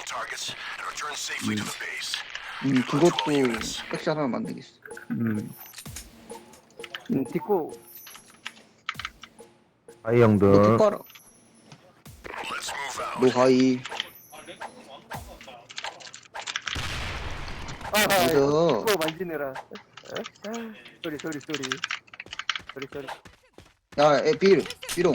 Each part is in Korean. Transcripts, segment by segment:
그것도 백샷 하나 만들겠어. 딛고 하이 너 형들. 툭가라. 너 하이. 맞아. 딛고 만지느라. 소리. 야, 비롱.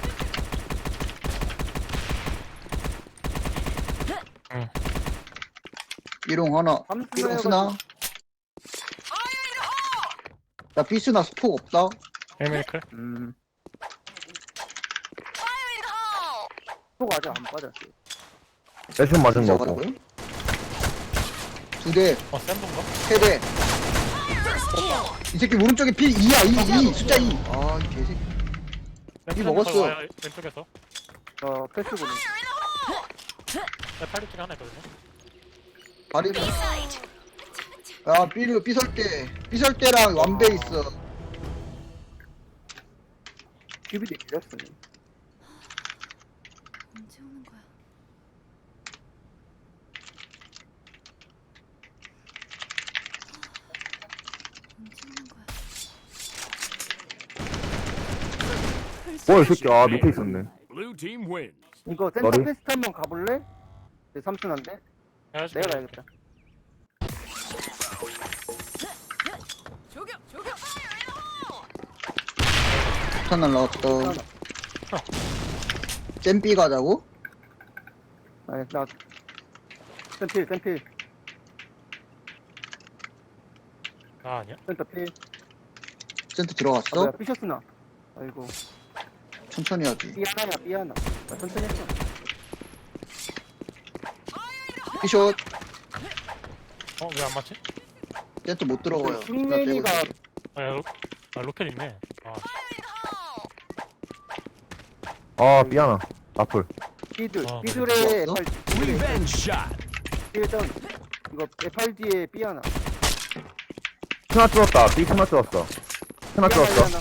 응. 비롱 하나. 비롱 쓰나? 야, 비스나 스폭 없다? 헬메이클? 속 아직 안 빠졌어. 세션 맞은 거고. 시작하라고요? 2대, 센 건가? 3대. 이 새끼 오른쪽에 피 2야, 2, 숫자 2. 아, 이 개새끼. 이 먹었어. 왼쪽에서. 패스 보는. 내 팔뚝 하나 있거든요. 발이. 야, 삐설대랑 완배 있어. 큐비도 길었어. 언제 오는 거야? 언제 오는 거야? 이 새끼, 아, 밑에 있었네. Blue team wins. 이거 센터 머리? 테스트 한번 가볼래? 내 삼촌한테? 해가지고. 내가 가야겠다. 폭탄 날라왔다. 잼삐 가자고? 아니, 나 센필 아, 아니야? 센터 필. 센터 아, 들어갔어? 뭐야, 삐셨으나. 아이고. 천천히 하지. 삐 하나. 나 천천히 했어. 피숏. 왜 안 맞지? 센터 못 들어가요. 흉내니가 로켓 있네. 아, 아, 삐하나. 나풀. 삐들. 아, 삐들의 그래. FR. Revenge shot. 삐전. 이거 FRD에 삐 하나. 스나 뚫었다. 삐 스나 뚫었어. 스나 뚫었어.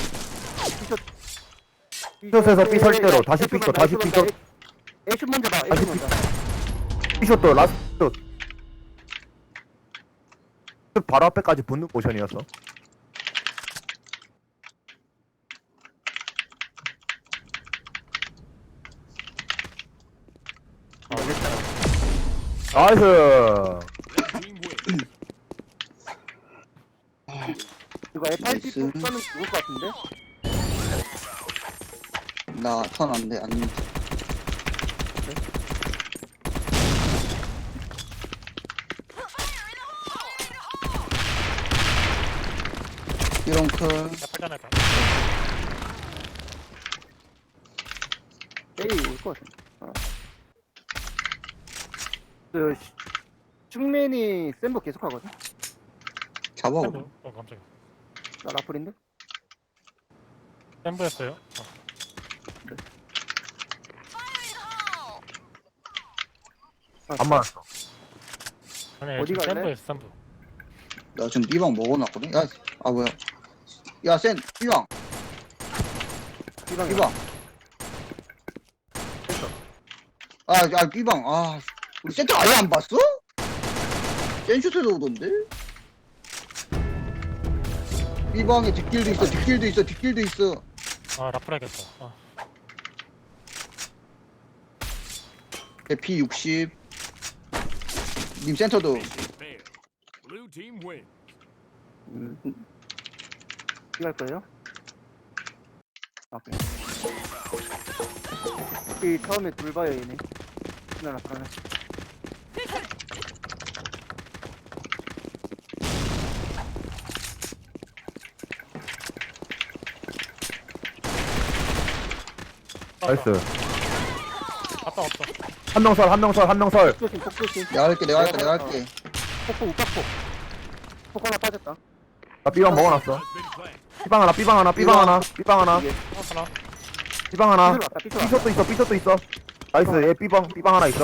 삐숏에서 삐 설대로. 다시 삐숏, 다시 삐숏. 애슛 먼저 봐. 다시 애슛 먼저. 삐숏도 라스트. 바로 앞에까지 붙는 포션이었어. 나이스. Blue team wins. 이거 FRD 나이스. 쏘면 죽을 것 같은데? 나 턴 안 돼, 안 돼. 이런 클. 나팔 할까? 에이, 올것 같은데. 충맨이 센버 계속 하거든? 잡아. 샘브? 깜짝이야. 나 라플인데? 샘브였어요. 안 맞았어. 아니, 어디 갈래? 샘브였어, 샘브. 나 지금 B방 먹어놨거든? 야, 아, 뭐야. 야, B방. B방이야. B방. B방. 아, 우리 센터 아예 안 봤어? 센슈트도 오던데? B방에 뒷길도 있어. 아, 라플 하겠다. 아, 대피 60. 님 센터도. Mission failed. Blue team wins. B갈 거예요? 오케이. 이 처음에 둘 봐요, 얘네. 나 라플하네. 나이스. 아빠 없어. 한 명 설. 폭조심. 내가 할게. 폭포, 우박폭. 폭 하나 빠졌다. 나 B방 먹어놨어. Has been planted. 삐방 하나. 이게 하나. B방 하나. 삐뚤어 왔다, 삐뚤어 왔다. 삐숏도 있어. 나이스. 얘 B방 하나 있어.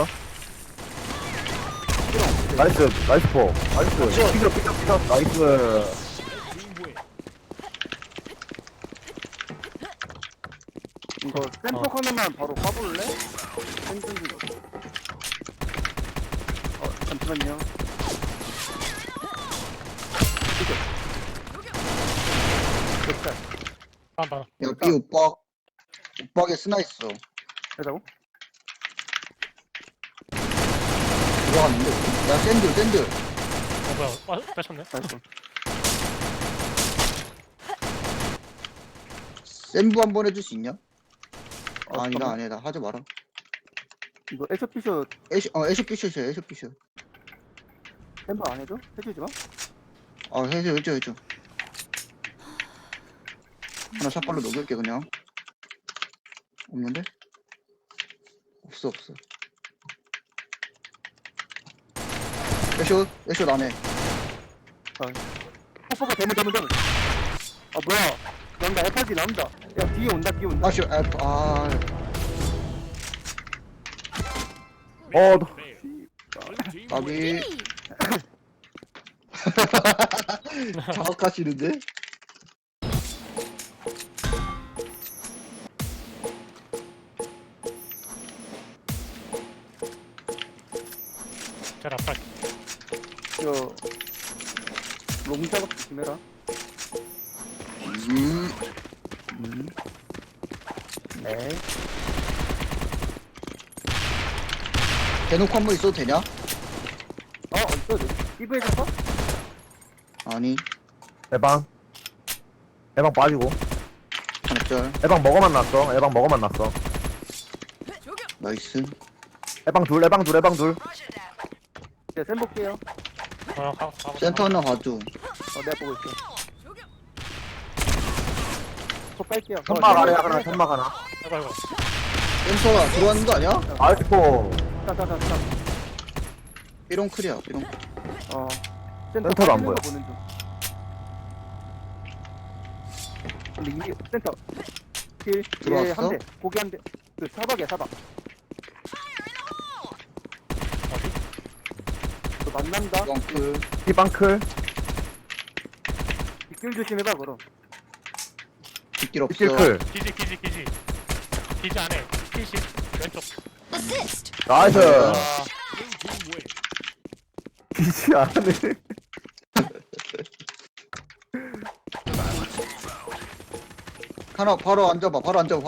나이스 포. 나이스. 삐져. 나이스. Red team wins. 이거 센폭 하나만 바로 까볼래? 센 잠시만요. 됐다. 나나. 야, B 오빠게 스나 있어. 되다고? 들어갔는데. 야, 샌들. 뭐야? 뺏었네. 나이스. 샌부 한번 해줄 수 있냐? 아니다, 잠깐만. 아니다. 하지 마라. 이거 에쇼피쇼 애쇼 피셔야 애쇼 피셔. 템버 안 해줘? 해주지 마. 해줘. 하나 샷발로 녹일게, 그냥. 없는데? 없어. 애쇼 나네. 뽀뽀가 대문. 아, 뭐야. 나온다, FRG 나온다. 야, 뒤에 온다. 아쇼, Mission failed. Blue team wins. 까비. 자학하시는데? 자 라프라. 저, 롱 작업 조심해라. 네. 대놓고 한 번 있어도 되냐? 어딨어? 이브 해줬어? 아니, 에방 빠지고. 하나짤. 에방 먹어만 났어. 나이스. 에방 둘. 네, 샘 볼게요. 가고. 센터 하나 봐줘. 내가 보고 있어. 톡 깔게요. 천막 아래 하나, 천막 하나. 이거. 센터가 들어가는 거 아니야? 아이스포. 자. 삐롱클이야, 삐롱. 센터도 안 보여. 보는 중. 근데 이미 센터. 킬. 들어왔어? 한 대. 고기 한 대. 그 사박이야, 사박. 너 만난다. 삐롱클. 피방클. 뒷길 조심해봐, 그럼. 뒷길 없어. 뒷길클. 기지 안에. 피시 왼쪽. 나이스. 아, Blue team wins. 기지 않네. 하나 바로 앉아봐.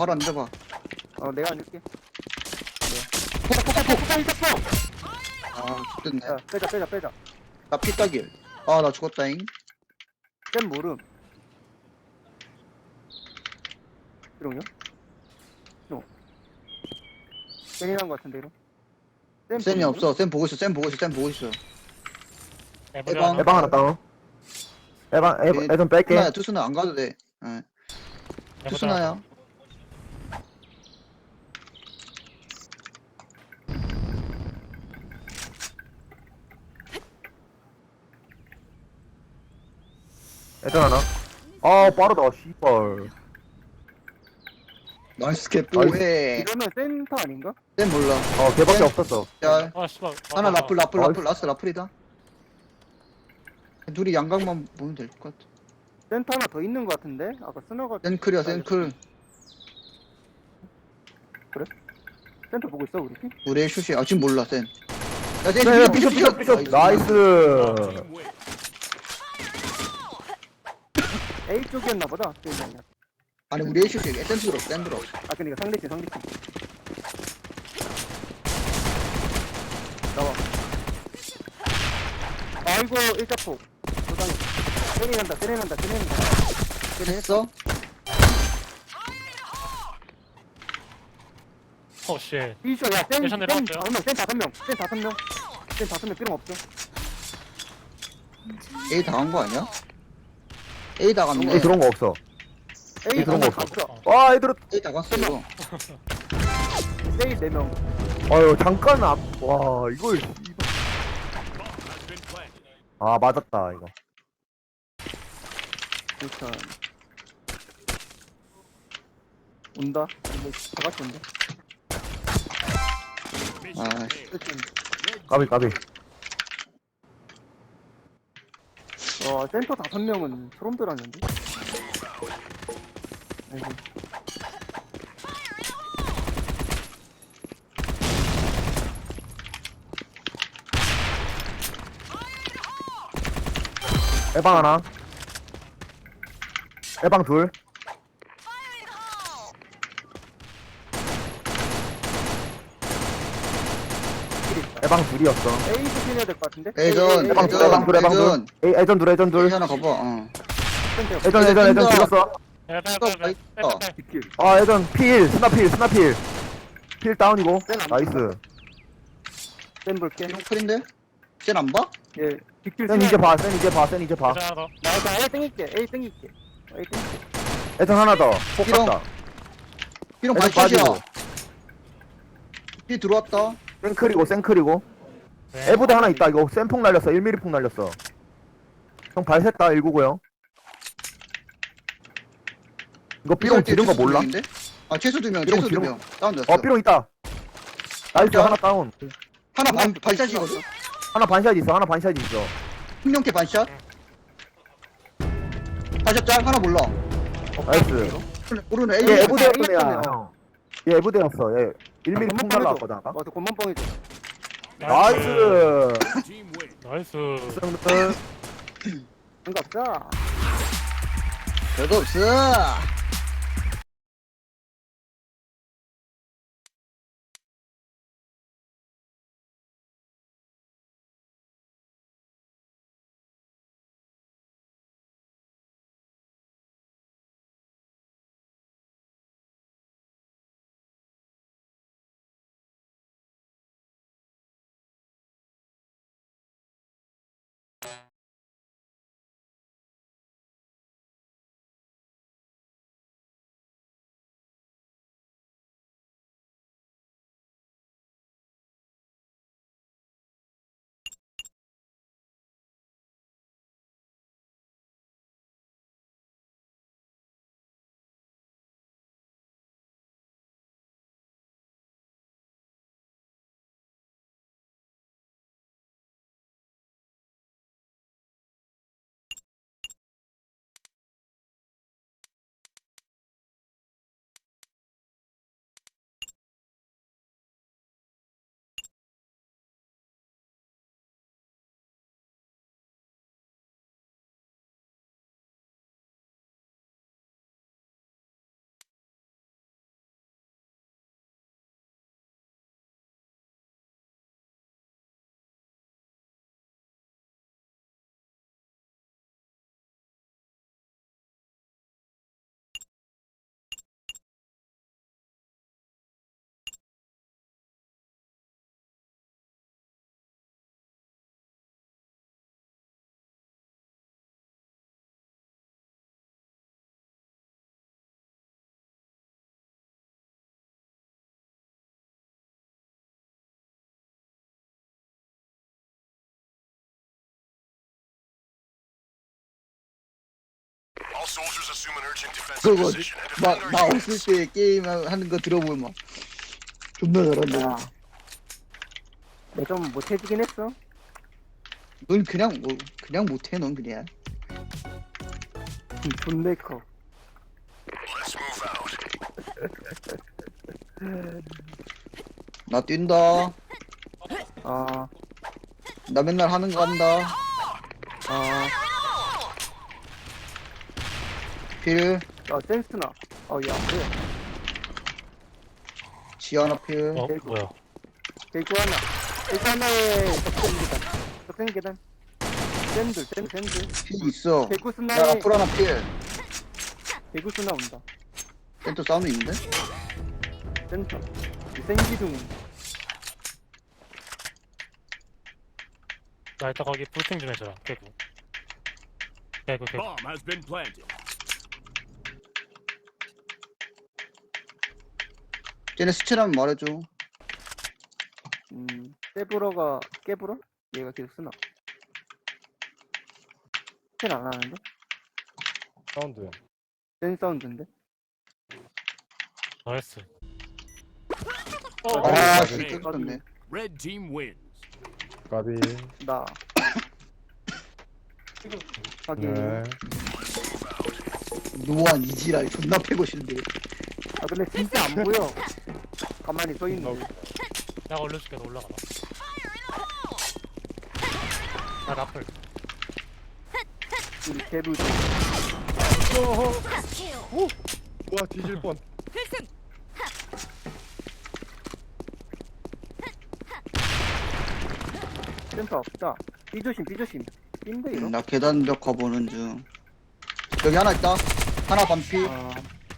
내가 앉을게. 아, 죽겠네. 야, 빼자. 나 피따길. 아, 나 죽었다잉. 쌤 모름. 이런요? 쌤이 난거 같은데, 이런? 쌤이 모름? 없어. 쌤 보고 있어. 에방. 에방 하나 다운. 에방 뺄게. 투수나 안 가도 돼. 예. 투수나야. 애들 하나. 빠르다, 씨발. 나이스 캡보해. 이러면 센터 아닌가? 쌤 몰라. 걔밖에 네. 없었어. 야, 아 씨발. 하나 라플, 나이스. 라스트 라플이다. 둘이 양각만 보면 될 것 같아. 센터 하나 더 있는 거 같은데? 아까 스너가 센클이야, 센클. 센터 보고 있어, 우리 팀? 우리의 슛이. 아, 지금 몰라, 쌤. 야, 쌤, 네, 피셔. 나이스. Team wins. A 쪽이었나 보다. 게임이 아니라. 아니, 우리의 슛이. 쌤 들어. 아, 그니까 상대팀. 나와. 아이고, 일자폭. 도장이. 세네난다. 했어? 어 씨. 이쇼, 야, 쌤 예선 내려왔어요. 5명 필요 없어. A 당한 거 아니야? A 당했네. A 들어온 거 없어. A 그런 거 하나 없어. 갔어. 와, 애들. A 당했어, 이거. A 4명. 아유, 잠깐 와, 이걸. 씨발. Bomb has been planted. 맞았다, 이거. 일단. 온다. 근데 다 같이 온다. Mission Ah, failed. 어쨌든. 까비. 센터 5명은 소름 돋았는데? 아이고. 에방 하나. 에방 둘. 에방 둘이었어. A 부신해야 될 것 같은데? 애전, 에방 둘, 에방 둘, 에방 둘. 에이, 애전 둘, 애전 둘. 여기 하나 가봐. 애전 죽었어. 빼빼빼빼빼빼. 뒷길. 아, 애전 필, 스나필. 필 다운이고. 나이스. 센 볼게. 기록 풀인데? 쟤안 봐? 예. 뒷길 센 이제 봐, 센 이제 봐. 하나 더. 나 일단 A 땡길게. A 땡길게. A 땡길게. 애전 하나 더. 폭 기록. 갔다. 피롱 애전 반샷이야. 빠지고. 피 들어왔다. 생클이고. 네. 에부대 하나 있다. 이거 센폭 날렸어. 1mm 폭 날렸어. 형 발샜다. 199요. 이거 삐롱 지른 거 몰라? 아, 최소 2명, 삐롱 최소 지른 2명. 다운됐어. 어, 삐롱 있다. 나이스, 진짜? 하나 다운. 하나 반샷이거든? 하나 반샷 있어. 흥룡캐 반샷? 반샷 짤? 하나 몰라. 나이스. 모르네. 얘 A. 에부대였던 A 애야. 였네. 형. 얘 에부대였어. 얘 1mm 폭 날라왔거든, 아까. 저 곰만 뻥이죠. 나이스. Team win. 나이스. 승들. 반갑다. 별거 없어. 그거 나 없을 때 게임 하는 거 들어보면 막 존나 잘한다. 내가 좀 못해지긴 했어. 넌 그냥 그냥 못해. 넌 그냥. 존내 커. 나 뛴다. 아, 나 맨날 하는 거 한다. 아, 필. 센스나. 야, 그래. 지하나 필. 어 뭐야? 대구 하나. 대구 하나에 적생 계단. 적생 계단. 샌들. 필 있어. 대구 야, 스나에 앞으로 하나 필. 대구 스나 온다. 센터 사운드 있는데? 센터. 생기둥. 나 일단 거기 불팅 좀 해줘라. 개구. Bomb has been planted. 쟤네 스체라면 말해줘. 세브러가 깨불어? 얘가 계속 쓰나? 스캔 안 하는데? 사운드. 센 사운드인데? 나이스. 아, 네. 진짜 그렇네. Red team wins. 까비. 나. 확인. 노안 이지랄 존나 패고 싶은데. 아, 근데 진짜 안 보여. 가만히 서 있는데. 내가 올려줄게. 너 올라가봐. 나 라플. 우리 개부. 와 뒤질 뻔. 센터 없다. 삐조심, 삐조심. 삐인데, 이거? 나 계단벽 가보는 중. 여기 하나 있다. 하나 반피. 아,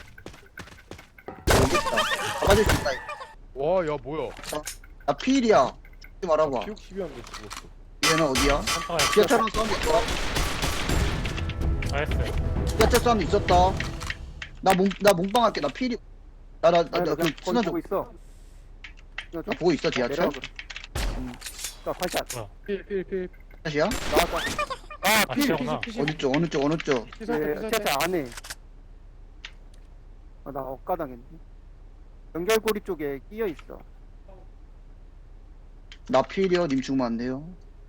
여기 있다. 잡아줄 수 있다. 와 야 뭐야? 나 피일이야. 하지 말아봐. 피육 12한데 죽었어. 얘는 어디야? 한타가 지하철은 사운드 있더라. 나이스. 지하철 사운드 있었다. 나 몽빵 할게. 나 피일이. 아니, 너 그 그냥 순간 거기 좀. 보고 있어. 이거 좀 나 보고 있어, 지하철? 내려가, 그럼. 자, 팔샷. 필. 다시야? 나왔다. 아, 지하구나. 어디 쪽, 어느 쪽, 어느 쪽. 네, 진짜 안에. 아, 나 엇가당했네. 연결고리 쪽에 끼어 있어. 나 피일이요. 님 죽으면 안 돼요.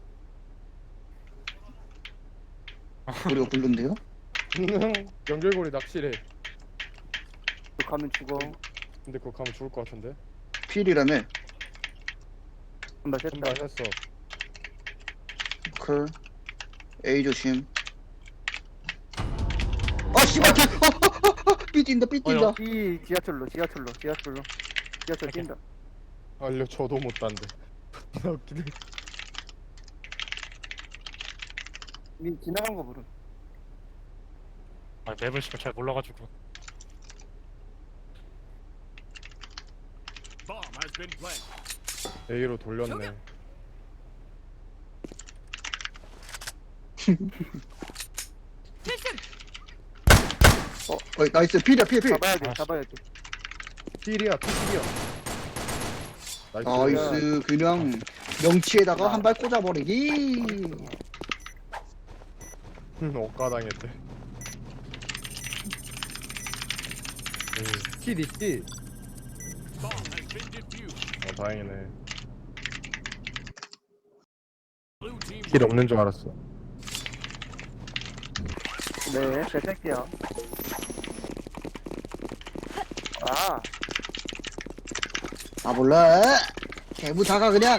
우리가 굴른데요? 연결고리 낚시래. 너 가면 죽어. 근데 그거 가면 죽을 것 같은데. 피일이라며. 한발 셌다. 한발 했어. 클. A 조심. 아, 씨발, 개! 삐 뛴다, 삐 뛴다. 이 지하철로. 지하철 뛴다. 알려줘도 못한데. 나 웃기네. 니 지나간 거 모름. 아, 맵을 씨발 잘 몰라가지고. Bomb has been planted. A로 돌렸네. 나이스. 필이야, 필. 잡아야 돼, 아, 잡아야 돼. 필이야. 나이스. 나이스. 그냥 명치에다가 한 발 꽂아버리기. 엇가당했대. 킬 있지? Bomb has been defused. 다행이네. Blue team 킬 없는 줄 알았어. 네, 대택이야. 아, 아, 몰라. 개부 다가 그냥.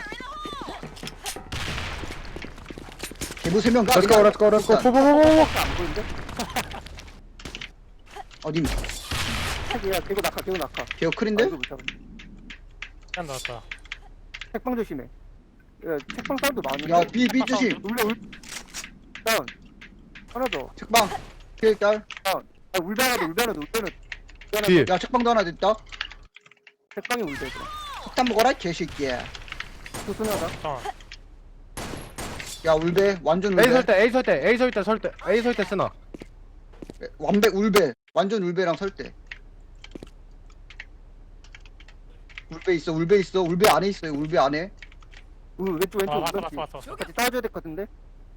개부 3명 가. 그냥. 렛츠고. 일단. 안 보이는데? 어디? 택이야, 개고 낙하. 개우 클인데? 아이고, 못 잡았네. 짠 나왔다. 책방 조심해. 야, 책방 사운드 많은데? 야, 삐 조심. 다운. 하나 더. 책방. 필 딸. 아, 울베 하나 더. 뒤에. 야, 책방도 하나 됐다. 책방에 울베 더. 폭탄 먹어라, 개새끼야. 수순하다. 잠깐. 야, 울베. 완전 A 울베. A 설 때 쓰나? 완배, 울베. 완전 울베랑 설대. 울베 있어. 울베 안에 있어요. 울베 안에. 왼쪽. 아, 왔어. 같이 따줘야 될 것 같은데?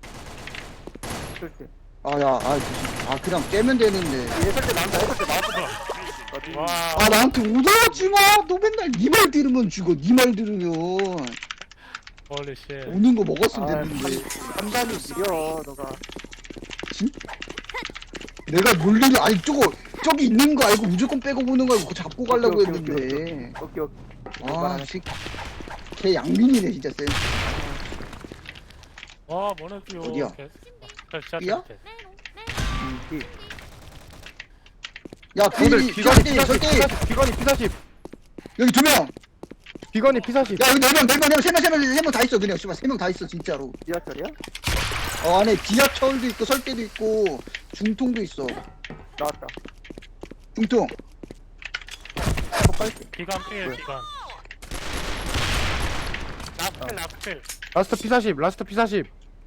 절대. 아, 야, 아, 그냥 깨면 되는데. 얘설때 나왔다. 와, 아, 나한테 오더하지 마! 너 맨날 니 말 들으면 죽어. 니 말 들으면. 홀리 쉣. 오는 거 먹었으면 됐는데. 판단이 느려, 너가. 내가 몰리는, 아니, 저기 있는 거 알고 무조건 빼고 보는 거 알고 그거 잡고 가려고 오케이. 했는데. 오케이. 아, 새끼. 걔 양민이네, 진짜 쎄. 와, 뭐는 띠요. 어디야? 진짜 띠야? 밑에. 이. 야, 필이, 절대. 비건이 P40. 여기 2명! 비건이 P40. 야, 여기 4명, 3명 다 있어, 그냥. 씨발, 3명 다 있어, 진짜로. 지하철이야? 안에 지하철도 있고, 설대도 있고, 중통도 있어. 나왔다. 중통. 폭발게. 비관 필, 비관. 라플. 라스트 P40.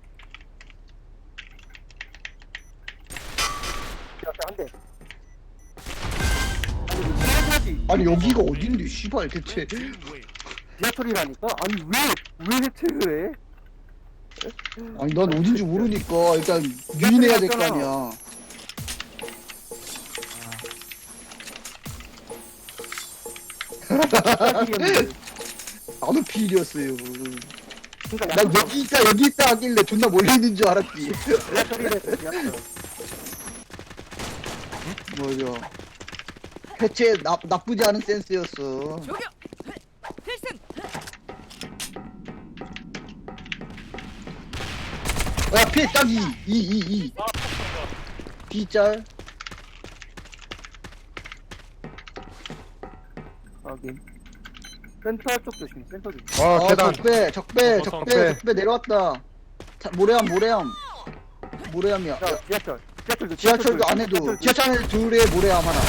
지하철 한 대. 아니, 여기가 어딘데, 씨발, 대체. team win. 지하철이라니까? 아니, 왜 해체를 해? 아니, 난 어딘지 모르니까, 일단, 유인해야 될 거 아니야. 나도 필이었어요. 그러니까 난 여기 있다 하길래 존나 멀리 있는 줄 알았지. 지하철이래, 지하철. 맞아. 대체 나쁘지 않은 센스였어. 야, 피해 딱 2. B짤. 확인. 센터 쪽 조심. 센터 조심. 어 계단 적배 내려왔다. 모래암이야. 자, 지하철. 지하철도 지하철도 안에도 지하철 안에 둘에 모래암 하나.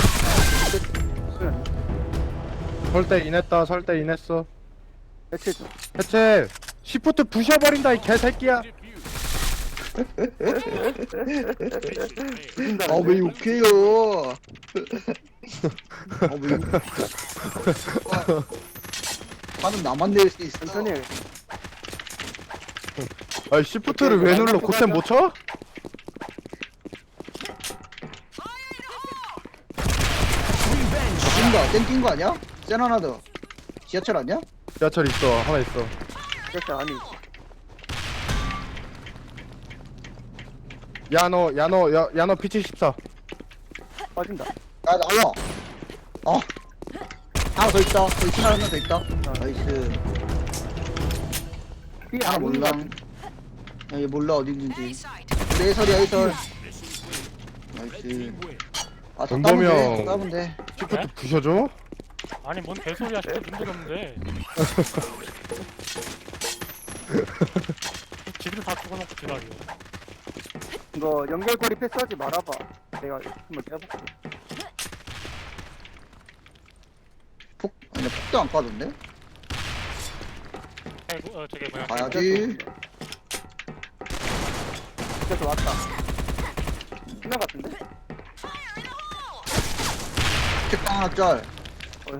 설대 인했다 설대 인했어 대체 좀. 해체 시프트 부셔버린다 이 개새끼야 죽인다. 왜 욕해요? 왜 욕? 화는 나만 낼 수 있어. 천천히 해. 아이 시프트를 왜 눌러 고템 못 쳐? 뛴다. 땡긴 거 아니야? 센 하나 더. 지하철 아니야? 지하철 있어 하나 있어 지하철 안에 있어. 야너 P74 빠진다. 야, 나와. 하나 더 있다. 거기 하나 더 있다. 나이스. 삐 하나 아닌 몰라. 것 같은데. 얘 몰라 어디 있는지. 에이설이야, 에이설. 나이스. 다 정도면- 따면 돼. 시프트 부셔줘? 아니 뭔 개소리야 진짜 눈도 없는데. 지들 다 죽어놓고 지랄이야. 이거 연결고리 패스하지 말아봐. 내가 한번 해볼게. 아니, 폭도 안 까던데? 아이고 저게 뭐야. 가야지. 지하철 왔다. 신나 같은데? 책당 하나 짤. 형.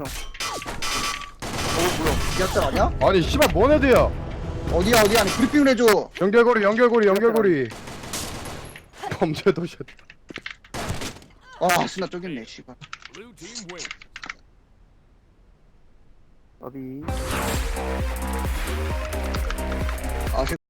뭐야? 지하철 아니야? 아니 씨발 뭔 애들야 어디야? 아니 브리핑을 해줘. 연결고리 범죄 도시 신나 쪼겠네, 씨발. Blue team win. 어비.